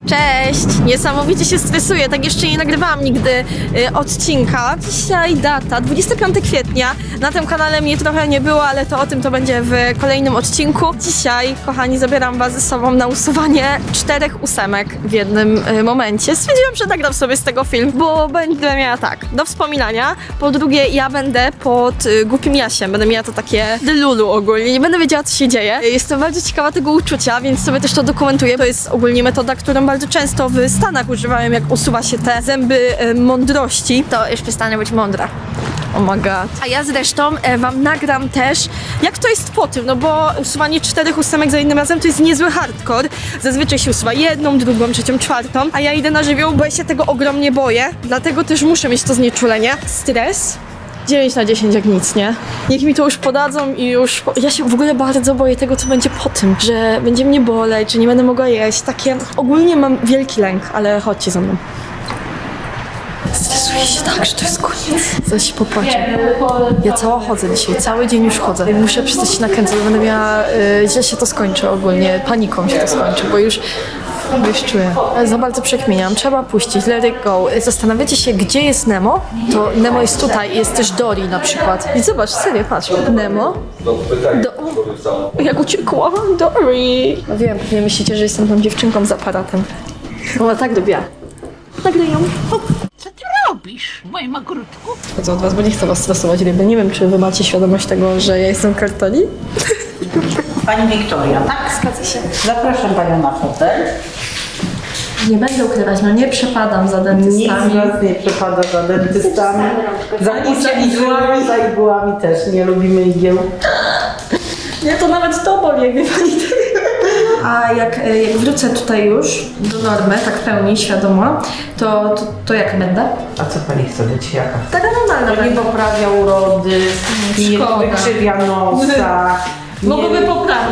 Cześć! Niesamowicie się stresuję, tak jeszcze nie nagrywałam nigdy odcinka. Dzisiaj data, 25 kwietnia. Na tym kanale mnie trochę nie było, ale to o tym to będzie w kolejnym odcinku. Dzisiaj, kochani, zabieram was ze sobą na usuwanie 4 ósemek w jednym momencie. Stwierdziłam, że nagram sobie z tego film, bo będę miała tak, do wspominania. Po drugie, ja będę pod Głupim Jasiem. Będę miała to takie delulu ogólnie. Nie będę wiedziała, co się dzieje. Jestem bardzo ciekawa tego uczucia, więc sobie też to dokumentuję. To jest ogólnie metoda, którą bardzo często w Stanach używałem, jak usuwa się te zęby mądrości. To już przestanę być mądra. Oh my god. A ja zresztą wam nagram też, jak to jest po tym, no bo usuwanie 4 ósemek za jednym razem to jest niezły hardcore. Zazwyczaj się usuwa jedną, drugą, trzecią, czwartą, a ja idę na żywioł, bo ja się tego ogromnie boję, dlatego też muszę mieć to znieczulenie. Stres? 9 na 10 jak nic, nie? Niech mi to już podadzą i już... Ja się w ogóle bardzo boję tego, co będzie po tym, że będzie mnie boleć, że nie będę mogła jeść. Takie... Ogólnie mam wielki lęk, ale chodźcie za mną. Stresuję się tak, że to jest koniec. Zaś się popłaczę. Ja cała chodzę dzisiaj, cały dzień już chodzę. Muszę przestać się nakręcać, bo będę miała... źle się to skończy ogólnie, paniką się to skończy, bo już czuję. Za bardzo przekminiam. Trzeba puścić. Let it go. Zastanawiacie się, gdzie jest Nemo? To Nemo jest tutaj. Jest też Dory na przykład. I zobacz, serio, patrz. Nemo. Jak uciekła. Dory. No wiem, nie myślicie, że jestem tą dziewczynką z aparatem. Ona tak lubiła. Nagraj ją. Co ty robisz w moim ogródku? Chodzę od was, bo nie chcę was stresować ryby. Nie wiem, czy wy macie świadomość tego, że ja jestem kartoni? Pani Wiktoria, tak? Zgadza się. Zapraszam panią na fotel. Nie będę ukrywać, no nie przepadam za Nikt dentystami. z nas nie przepada za dentystami. Za igłami, za igłami też. Nie lubimy igieł. Nie, to nawet to boli, jak wie pani. A jak wrócę tutaj już do normy, tak w pełni świadoma, to jak będę? A co pani chce być? Jaka? Taka normalna To nie będę. poprawia urody, nie Szkoda. wykrzywia nosa. Mogłoby poprawić.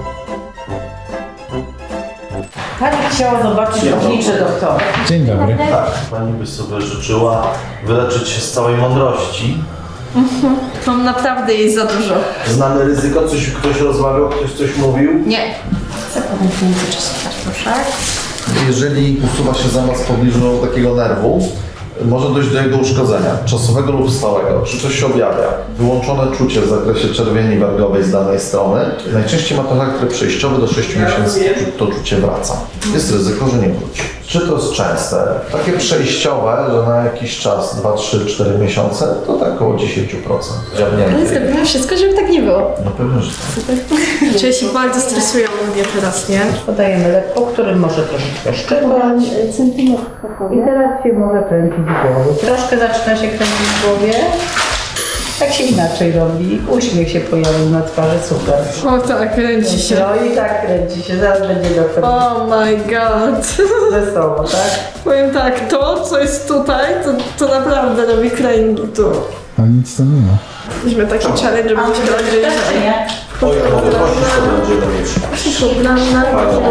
Pani chciała zobaczyć oblicze doktora. Dzień dobry. Tak, pani by sobie życzyła wyleczyć się z całej mądrości. Mam naprawdę jej za dużo. Znamy ryzyko, ktoś rozmawiał, ktoś coś mówił. Nie. Chcę podać w międzyczasie kartuszek. Jeżeli usuwa się zamaz w pobliżu takiego nerwu, może dojść do jego uszkodzenia, czasowego lub stałego. Czy coś się objawia? Wyłączone czucie w zakresie czerwieni wargowej z danej strony. Najczęściej ma to charakter przejściowy, do 6 miesięcy to czucie wraca. Jest ryzyko, że nie wróci. Czy to jest częste? Takie przejściowe, że na jakiś czas, 2, 3, 4 miesiące, to tak około 10%. Ale Dziabnięty. zrobimy wszystko, żeby tak nie było. No pewnie, że tak. Czuję się bardzo stresuję mnie teraz, nie? Podajemy lek, po którym może troszeczkę szczypać. I teraz się może kręcić w głowie. Troszkę zaczyna się kręcić w głowie. Tak się inaczej robi. Uśmiech się pojawił na twarzy, super. O tak, kręci się. No i tak kręci się, zaraz będzie doktor. Oh my god. Wesoło, tak? Powiem tak, to co jest tutaj, to naprawdę robi kręgi tu. A nic tam nie ma. Weźmy taki challenge, żeby się bardziej nie? Oj, a mogę prosić, to będziemy mieć. Problemy,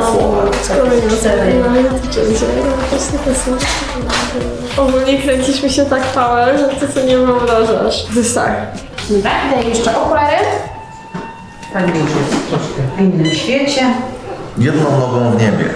Fajną ogólnie kręcisz mi się tak power, że ty co nie wyobrażasz. To jest tak. Daję jeszcze okulary. Pani już jest troszkę w innym świecie. Jedną nogą w niebie.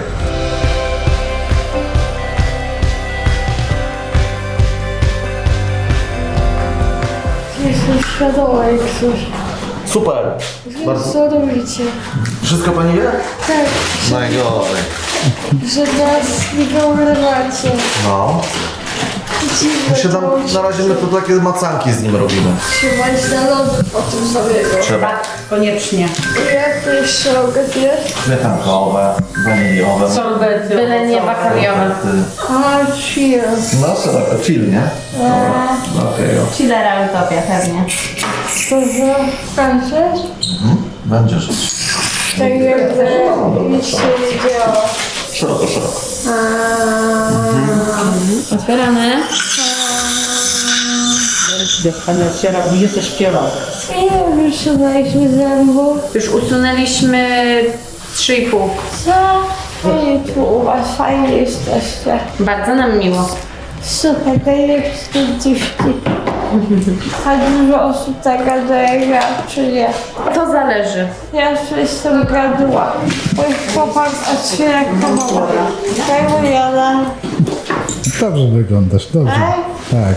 Jestem świadoma jak coś. Super! Bardzo. Co robicie? Wszystko pani wie? Tak, Najgorzej. że nas nie wyobrażacie. No. Dziwne Się tam, to na razie my tu takie macanki z nim robimy. trzymać na lody po tym zabiegu. Trzeba. Tak, koniecznie. Jak to jeszcze mogę zjeść? Śmietankowe, waniliowe. Sorbety. Byle nie bakariowe. A, chill. No, szeroko, chill, nie? Dobra, okej. Chillera utopia pewnie. To za Frances? Będziesz. Tak jakby nic się nie działo. Szeroko, szeroko. Otwieramy. Jak pani otwiera, gdzie też śpiewa. Ile już usunęliśmy zębów? Już usunęliśmy 3,5. Co? Ej, tu u was fajnie jesteście. Bardzo nam miło. Super, najlepsze dziewki. A dużo osób tak gada jak ja, czy nie? To zależy. Ja już jestem gaduła. Mój chłopak otwiera komorę. Daj mój Dobrze wyglądasz, dobrze. Tak.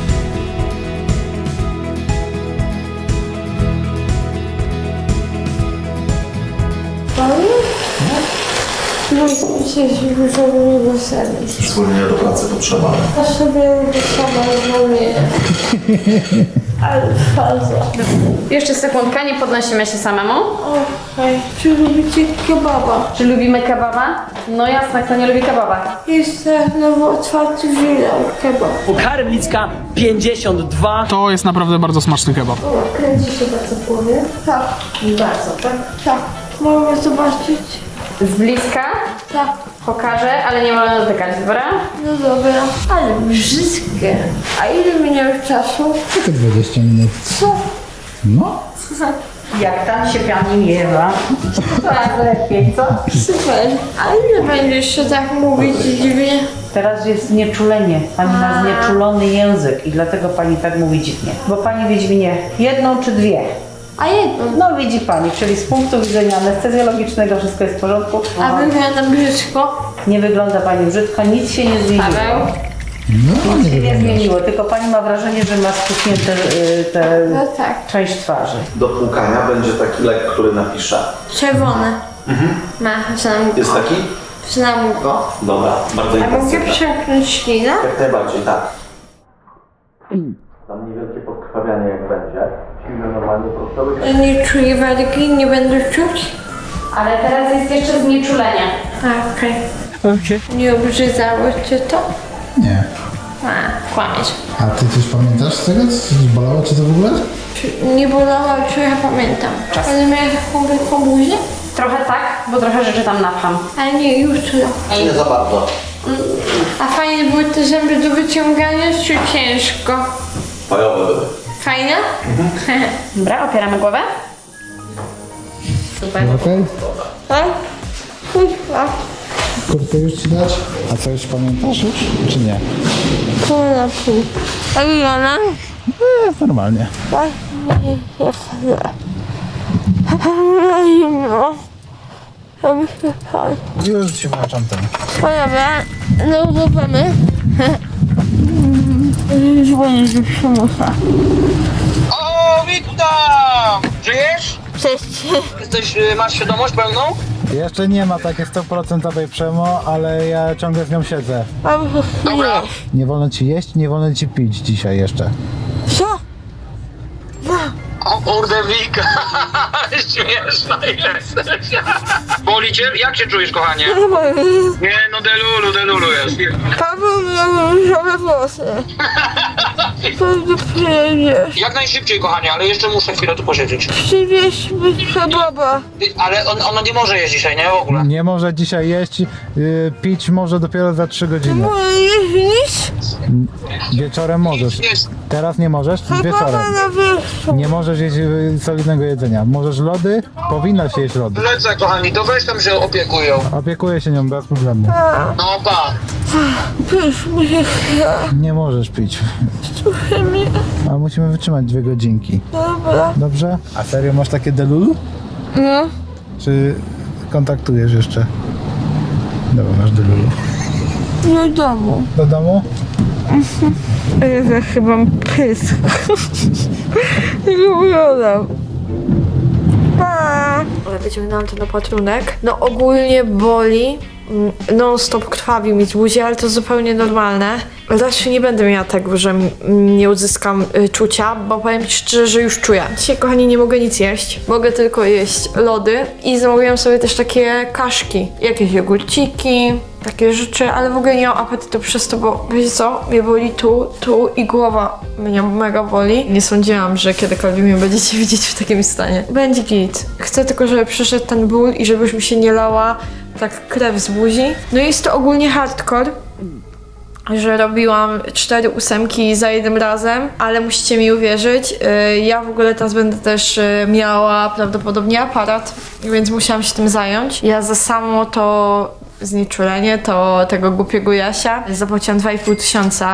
No i dzisiaj się wyżałuję do serca. Wspólnie do pracy potrzeba. A sobie sama zwolnię. Ale faza. Jeszcze sekundkę, nie podnosimy się samemu. Okej. Czy lubicie kebaba? Czy lubimy kebaba? No jasne, kto nie lubi kebaba. Jest nowo otwarty Żydał kebab. Karmlicka 52. To jest naprawdę bardzo smaczny kebab. O, kręci się bardzo w głowie. Tak. Bardzo, tak? Tak. Możemy zobaczyć? Z bliska Tak. pokażę, ale nie wolno dotykać, dobra? No dobra. Ale brzydkie. A ile minęło czasu? Tylko 20 minut. Co? No. Jak tam się pani miewa? Coraz lepiej, co? Super. A ile będziesz jeszcze tak mówić dziwnie? Teraz jest znieczulenie. Pani ma znieczulony język i dlatego pani tak mówi dziwnie. Bo pani Wiedźminie jedną czy dwie? A jedno. No widzi pani, czyli z punktu widzenia anestezjologicznego wszystko jest w porządku. A wygląda brzydko. Nie wygląda pani brzydko, nic się nie zmieniło. Paweł? No, Nic nie się nie wyglądasz. zmieniło, tylko pani ma wrażenie, że ma spuchnięte No tak. część twarzy. Do płukania będzie taki lek, który napiszę. Czerwone. Ma, znam go. Jest taki? Znam go. Dobra, bardzo A mogę intensywny. przemknąć ślinę? Jak najbardziej, tak. Tam niewielkie podkrwawianie jak będzie. Silne normalnie prostowe. Nie czuję walki, nie będę czuć. Ale teraz jest jeszcze znieczulenie. A, okej. Okej. Nie obrzydzało cię to? Nie. A, kłamiesz. A ty coś pamiętasz z tego? Coś bolało cię to w ogóle? Nie bolało, czy ja pamiętam. Ale miałeś taką wielką buzię? Trochę tak, bo trochę rzeczy tam napcham. Ale nie, jutro. Nie za bardzo. A fajne były te zęby do wyciągania, czy ciężko? Fajowe były. Fajne? Dobra, opieramy głowę. Super. Okej? Tak? Kurwa. Kurtkę już ci dać? A co już pamiętasz już, czy nie? Pół na pół. A Ilona? Normalnie. No. A my się pan. Już ci włączam ten. Dobra, no udawamy. Dzwonię do przymusa. O, witam! Żyjesz? Cześć. Jesteś, masz świadomość pełną? Jeszcze nie ma takiej 100% przemo, ale ja ciągle z nią siedzę. A wy Dobra. Nie wolno ci jeść, nie wolno ci pić dzisiaj jeszcze. co? O kurde, Wika. Śmieszna jesteś. Boli cię? Jak się czujesz, kochanie? Nie, no delulu jest. Paweł miał różowe włosy. Pewnie przyjedziesz. Jak najszybciej, kochanie, ale jeszcze muszę chwilę tu posiedzieć. Przywieźmy kebaba. Ale ona nie może jeść dzisiaj, nie? W ogóle. Nie może dzisiaj jeść, pić może dopiero za 3 godziny. Moje jeździć? Wieczorem możesz. Jest. Teraz nie możesz, Kebaba wieczorem. na wierzchu. Nie możesz jeść solidnego jedzenia. Możesz lody, powinnaś jeść lody. Lecę, kochani, to weź tam się opiekują. Opiekuję się nią bez problemu. No pa. Pysz mi się chce. Nie możesz pić. Trochę mnie. A musimy wytrzymać 2 godzinki. Dobra. Dobrze? A serio masz takie delulu? No. Czy kontaktujesz jeszcze? Dobra, masz delulu. Do domu. Do domu? Ja chyba mam pysk. Nie wyglądam. Pa! Ale wyciągnęłam ten opatrunek. No ogólnie boli. Non-stop krwawi mi z buzi, ale to zupełnie normalne. Raczej nie będę miała tego, że nie uzyskam czucia, bo powiem ci szczerze, że już czuję. Dzisiaj, kochani, nie mogę nic jeść. Mogę tylko jeść lody i zamówiłam sobie też takie kaszki. Jakieś jogurciki, takie rzeczy, ale w ogóle nie mam apetytu przez to, bo wiecie co? Mnie boli tu i głowa mnie mega boli. Nie sądziłam, że kiedykolwiek mnie będziecie widzieć w takim stanie. Będzie git. Chcę tylko, żeby przyszedł ten ból i żebyś mi się nie lała tak krew z buzi. No jest to ogólnie hardcore, że robiłam 4 ósemki za jednym razem, ale musicie mi uwierzyć, ja w ogóle teraz będę też miała prawdopodobnie aparat, więc musiałam się tym zająć. Ja za samo to znieczulenie, to tego głupiego Jasia zapłaciłam 2500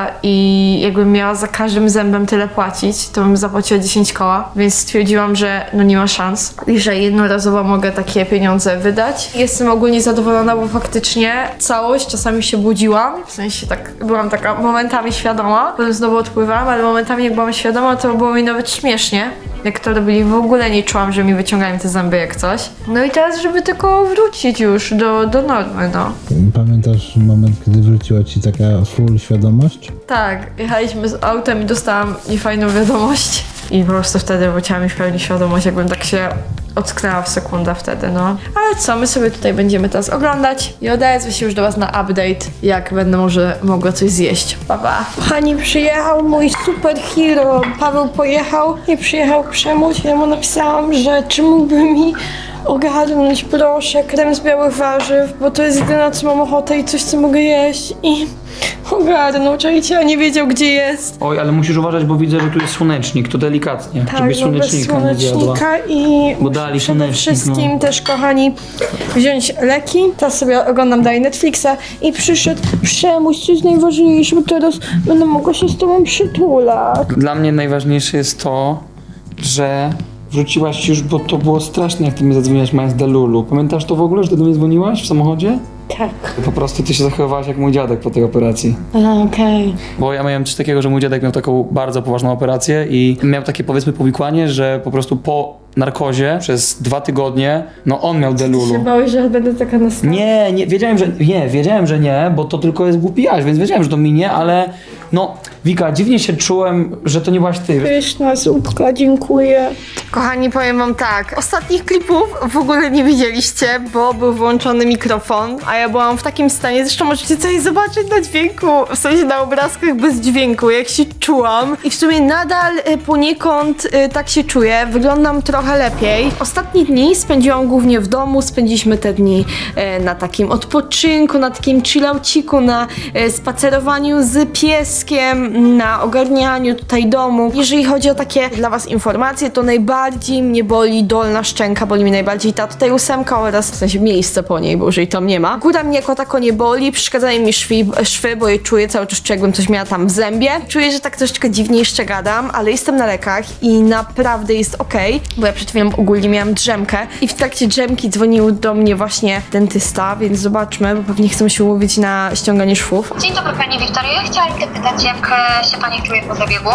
i jakbym miała za każdym zębem tyle płacić, to bym zapłaciła 10 koła, więc stwierdziłam, że no nie ma szans i że jednorazowo mogę takie pieniądze wydać. Jestem ogólnie zadowolona, bo faktycznie całość, czasami się budziłam, w sensie tak byłam taka momentami świadoma, potem znowu odpływałam, ale momentami jak byłam świadoma, to było mi nawet śmiesznie. Jak to robili, w ogóle nie czułam, że mi wyciągają te zęby jak coś. No i teraz, żeby tylko wrócić już do normy, no. Pamiętasz moment, kiedy wróciła ci taka full świadomość? Tak, jechaliśmy z autem i dostałam niefajną wiadomość. I po prostu wtedy wróciła mi w pełni świadomość, jakbym tak się ocknęła w sekundę wtedy, no. Ale co, my sobie tutaj będziemy teraz oglądać i odezwę się już do was na update, jak będę może mogła coś zjeść. Pa, pa. Kochani, przyjechał mój superhero. Paweł pojechał, nie przyjechał Przemuś. Ja mu napisałam, że czy mógłby mi ogarnąć, proszę, krem z białych warzyw, bo to jest jedyne, co mam ochotę i coś, co mogę jeść. I ogarnął, czajcie, a nie wiedział, gdzie jest. Oj, ale musisz uważać, bo widzę, że tu jest słonecznik, to delikatnie, Tak, żebyś no bez słonecznika nie zjadła. słonecznika i Bo dali przede słonecznik, wszystkim też, kochani, wziąć leki. Teraz sobie oglądam dalej Netflixa i przyszedł Przemuś, co jest najważniejsze, bo teraz będę mogła się z tobą przytulać. Dla mnie najważniejsze jest to, że wróciłaś już, bo to było straszne, jak ty mi zadzwoniłaś mając Delulu. Pamiętasz to w ogóle, że ty do mnie dzwoniłaś w samochodzie? Tak. Po prostu ty się zachowywałaś jak mój dziadek po tej operacji. Okej. Bo ja miałem coś takiego, że mój dziadek miał taką bardzo poważną operację i miał takie, powiedzmy, powikłanie, że po prostu po narkozie przez 2 tygodnie, no on miał Delulu. Się bałeś, że będę taka następna. Nie, wiedziałem, że nie, bo to tylko jest głupi Jaś, więc wiedziałem, że to minie, ale no, Wika, dziwnie się czułem, że to nie byłaś ty. Pyszna zupka, dziękuję. Kochani, powiem wam tak, ostatnich klipów w ogóle nie widzieliście, bo był włączony mikrofon, a ja byłam w takim stanie, zresztą możecie coś zobaczyć na dźwięku, w sensie na obrazkach bez dźwięku, jak się czułam. I w sumie nadal poniekąd tak się czuję, wyglądam trochę lepiej. Ostatnie dni spędziłam głównie w domu, spędziliśmy te dni na takim odpoczynku, na takim chillauciku, na spacerowaniu z pieskiem, na ogarnianiu tutaj domu. Jeżeli chodzi o takie dla was informacje, to najbardziej mnie boli dolna szczęka, boli mnie najbardziej ta tutaj 8 oraz w sensie miejsce po niej, bo jeżeli tam nie ma. Góra mnie jako tako nie boli, przeszkadzają mi szwy, bo je czuję cały czas, jakbym coś miała tam w zębie. Czuję, że tak troszeczkę dziwnie jeszcze gadam, ale jestem na lekach i naprawdę jest okej, bo ja przed chwilą ogólnie miałam drzemkę i w trakcie drzemki dzwonił do mnie właśnie dentysta, więc zobaczmy, bo pewnie chcą się umówić na ściąganie szwów. Dzień dobry Pani Wiktorio. Chciałam zapytać, jak się Pani czuje po zabiegu?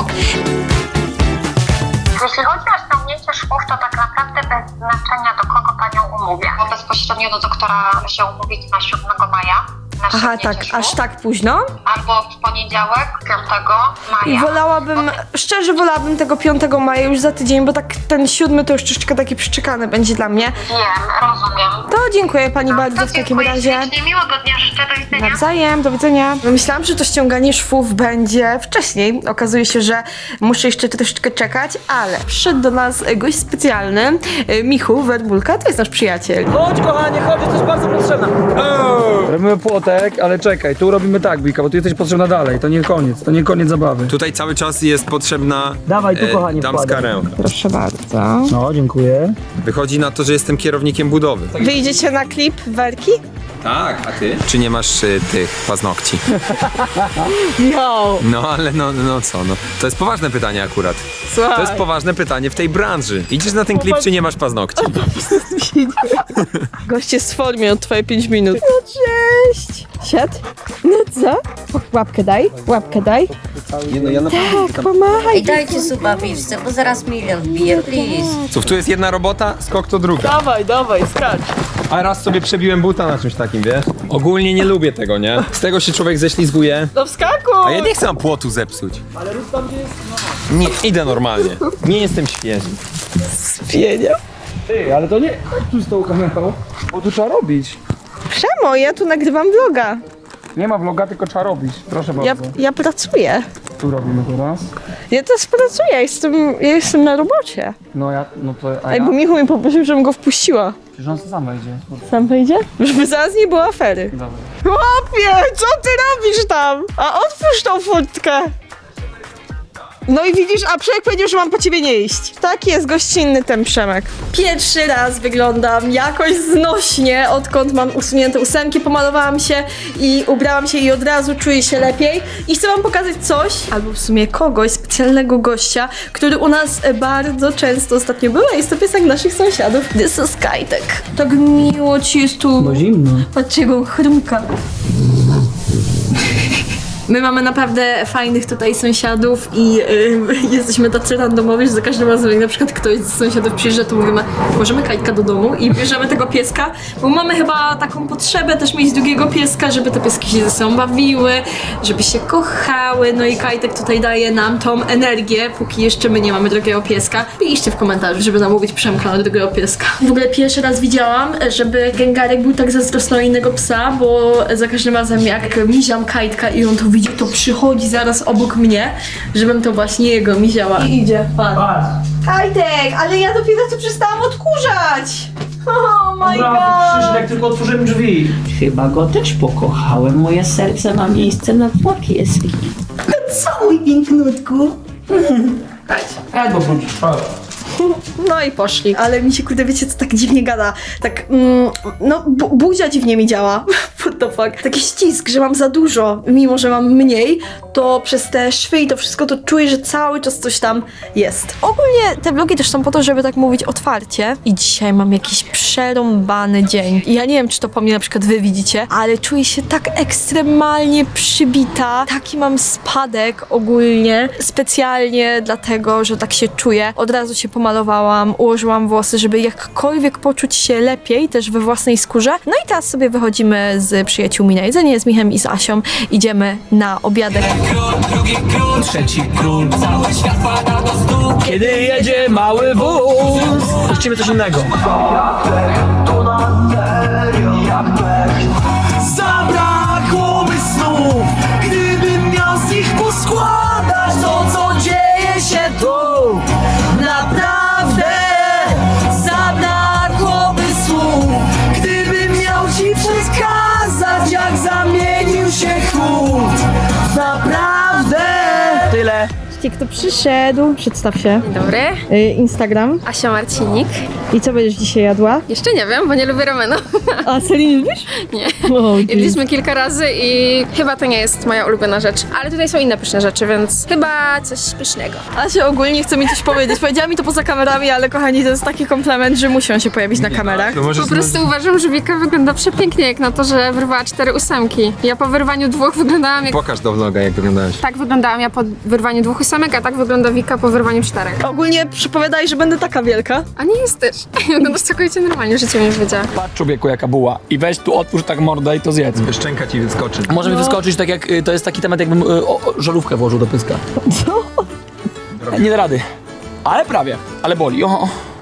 Jeśli chodzi o ściągnięcie szwów, to tak naprawdę bez znaczenia, do kogo Panią umówię. Bo bezpośrednio do doktora się umówić na 7 maja. Na Aha, ściągnięcie tak, szwów. aż tak późno? Albo w poniedziałek, 5 I maja. wolałabym, szczerze wolałabym tego 5 maja już za tydzień, bo tak ten 7 to już troszeczkę taki przyczekany będzie dla mnie. Wiem, rozumiem. To dziękuję Pani bardzo w takim Dziękuję razie. ślicznie. Miłego dnia życzę, do widzenia. Nawzajem, do widzenia. Myślałam, że to ściąganie szwów będzie wcześniej. Okazuje się, że muszę jeszcze troszeczkę czekać, ale przyszedł do nas gość specjalny, Michu Werbulka, to jest nasz przyjaciel. Chodź kochanie, chodź, jesteś bardzo potrzebna. Robimy płotek, ale czekaj, tu robimy tak, Wika, bo ty jesteś potrzebna dalej, to nie koniec zabawy. Tutaj cały czas jest potrzebna Dawaj tu, kochanie, damska wkładaj. ręka. Proszę bardzo. No, dziękuję. Wychodzi na to, że jestem kierownikiem budowy. Wyjdziecie na klip Werki? Tak, a ty? Czy nie masz tych paznokci? Jo! No ale no co, no. To jest poważne pytanie akurat. Słuchaj. To jest poważne pytanie w tej branży. Idziesz na ten klip, czy nie masz paznokci? Gość jest w formie od twoje 5 minut. No cześć! Siad? No co? Łapkę daj, łapkę daj. Nie, no ja Tak, pomachaj. Ej, dajcie suba widzę, bo zaraz milion wbije, please. Cóż, tu jest jedna robota, skok to druga. Dawaj, skacz. A raz sobie przebiłem buta na czymś takim, wiesz? Ogólnie nie lubię tego, nie? Z tego się człowiek ześlizguje. No wskakuj! A ja nie chcę płotu zepsuć. Ale rób tam, gdzie jest... Nie, idę normalnie. Nie jestem świeży. Pienia. Ty, ale to nie chodź tu z tą kamerą, bo tu trzeba robić. Przemo, ja tu nagrywam vloga. Nie ma vloga, tylko trzeba robić. Proszę bardzo. Ja pracuję. Tu robimy teraz. Ja też pracuję, ja jestem na robocie. No to, a Ej, ja? bo Michu mi poprosił, żebym go wpuściła. Przecież on sam wejdzie. Sam wejdzie? Żeby zaraz nie było afery. Dobra. Chłopie, co ty robisz tam? A otwórz tą furtkę. No i widzisz, a Przemek powiedział, że mam po ciebie nie iść. Tak jest gościnny ten Przemek. Pierwszy raz wyglądam jakoś znośnie, odkąd mam usunięte ósemki, pomalowałam się i ubrałam się i od razu czuję się lepiej. I chcę wam pokazać coś, albo w sumie kogoś, specjalnego gościa, który u nas bardzo często ostatnio był, a jest to piesek naszych sąsiadów. This is Kajtek. Tak miło ci jest tu. Bo zimno. Patrzcie, jak on chrumka. My mamy naprawdę fajnych tutaj sąsiadów i jesteśmy tacy randomowi, że za każdym razem jak na przykład ktoś z sąsiadów przyjeżdża, to mówimy, możemy Kajtka do domu i bierzemy tego pieska, bo mamy chyba taką potrzebę też mieć drugiego pieska, żeby te pieski się ze sobą bawiły, żeby się kochały, no i Kajtek tutaj daje nam tą energię, póki jeszcze my nie mamy drugiego pieska. Piszcie w komentarzu, żeby namówić Przemka na drugiego pieska. W ogóle pierwszy raz widziałam, żeby Gengarek był tak zazdrosny o innego psa, bo za każdym razem jak miziam Kajtka i on to widzi, to przychodzi zaraz obok mnie, żebym to właśnie jego miziała. I idzie, pan. Kajtek, ale ja dopiero co przestałam odkurzać! Oh my god! jak tylko otworzymy drzwi. Chyba go też pokochałem. Moje serce ma miejsce na dwa pieski. Całuj, pięknutku. Albo wrócisz, No i poszli. Ale mi się, kurde, wiecie co, tak dziwnie gada. Tak, no, buzia dziwnie mi działa. What the fuck. Taki ścisk, że mam za dużo, mimo że mam mniej, to przez te szwy i to wszystko to czuję, że cały czas coś tam jest. Ogólnie te vlogi też są po to, żeby tak mówić otwarcie. I dzisiaj mam jakiś przerąbany dzień. I ja nie wiem, czy to po mnie na przykład wy widzicie, ale czuję się tak ekstremalnie przybita. Taki mam spadek ogólnie. Specjalnie dlatego, że tak się czuję. Od razu się pomalowałam, ułożyłam włosy, żeby jakkolwiek poczuć się lepiej też we własnej skórze. No i teraz sobie wychodzimy z przyjaciółmi na jedzenie, z Michem i z Asią. Idziemy na obiadek. Trzeci król. Cały świat pada do stóp. Kiedy jedzie mały wóz. Puścimy coś innego. Zabrakłoby snów, gdybym miał z nich poskładać to, co dzieje się tu. Naprawdę zabrakłoby słów, gdybym miał ci przekazać, jak zamienił się chłód. Naprawdę. Tyle. Kto przyszedł? Przedstaw się. Dzień dobry, Instagram. Asia Marcinik. I co będziesz dzisiaj jadła? Jeszcze nie wiem, bo nie lubię ramenu. A Selin lubisz? Nie. O, Jedliśmy kilka razy i chyba to nie jest moja ulubiona rzecz. Ale tutaj są inne pyszne rzeczy, więc chyba coś pysznego. Asia ogólnie chce mi coś powiedzieć. Powiedziała mi to poza kamerami, ale kochani, to jest taki komplement, że musi on się pojawić na kamerach. Po prostu uważam, że Wika wygląda przepięknie, jak na to, że wyrwała 4 ósemki. Ja po wyrwaniu 2 wyglądam jak... Pokaż do vloga, jak wyglądałeś. Tak wyglądałam ja po wyrwaniu 2 ósemek, a tak wygląda Wika po wyrwaniu 4. Ogólnie przypowiadaj, że będę taka wielka. A nie jesteś. Wyglądasz całkowicie normalnie, życie mi już wiedziała. Patrz człowieku jaka buła. I weź tu otwórz tak mordę i to zjedz. Szczęka ci wyskoczy. Może mi wyskoczyć tak jak, to jest taki temat jakbym żarówkę włożył do pyska. Co? Nie da rady. Ale prawie. Ale boli. O.